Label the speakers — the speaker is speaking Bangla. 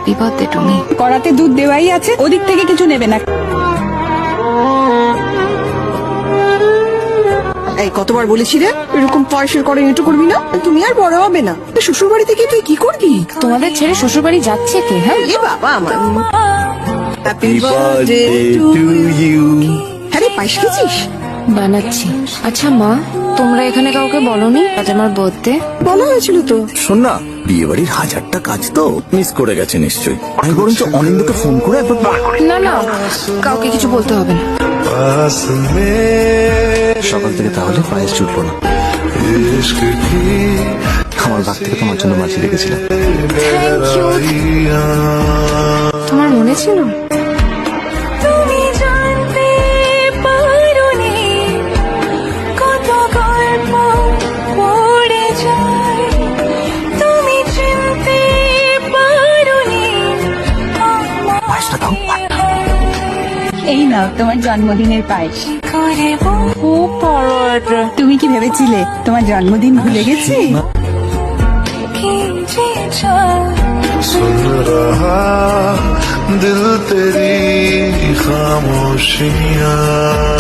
Speaker 1: Happy birthday টুমি।
Speaker 2: কড়াতে দুধ দেওয়াই আছে, ওদিক থেকে কিছু নেবে না।
Speaker 3: এই কতবার বলেছি রে, এরকম পয়সার করে এটু করবি না, তুমি আর বড় হবে না। শ্বশুর বাড়ি থেকে তুই কি করবি?
Speaker 1: তোমাদের ছেড়ে শ্বশুর বাড়ি যাচ্ছে কে? হ্যাঁ,
Speaker 3: এ বাবা আমার। Happy birthday to you. হ্যাঁ রে, পায়েস খেয়েছিস?
Speaker 1: বানাচ্ছি। আচ্ছা মা, তোমরা এখানে কাউকে বলনি আজ আমার বার্থডে?
Speaker 3: বলা হয়েছিল তো।
Speaker 4: শোন না, বিয়ে বাড়ির হাজারটা কাজ তো মিস করে গেছে নিশ্চয়ই। আমি বরঞ্চ অনিন্দকে ফোন করে একবার বার করে।
Speaker 1: না না, কাউকে কিছু বলতে হবে না।
Speaker 4: সকাল থেকে তাহলে পায়েস ছুটলো না। আমার ভাগ থেকে তোমার জন্য মাছি রেখেছিলাম।
Speaker 1: Thank you. তোমার মনে ছিল? তুমি জানতে পারোনি কত গল্প পড়ে যায়, তুমি চিনতে পারোনি।
Speaker 4: পায়েসটা দাও।
Speaker 2: এই নাও তোমার জন্মদিনের পায়েস।
Speaker 1: খুব বড় এটা।
Speaker 2: তুমি কি ভেবেছিলে তোমার জন্মদিন ভুলে গেছি?
Speaker 5: सुन रहा दिल तेरी खामोशियाँ।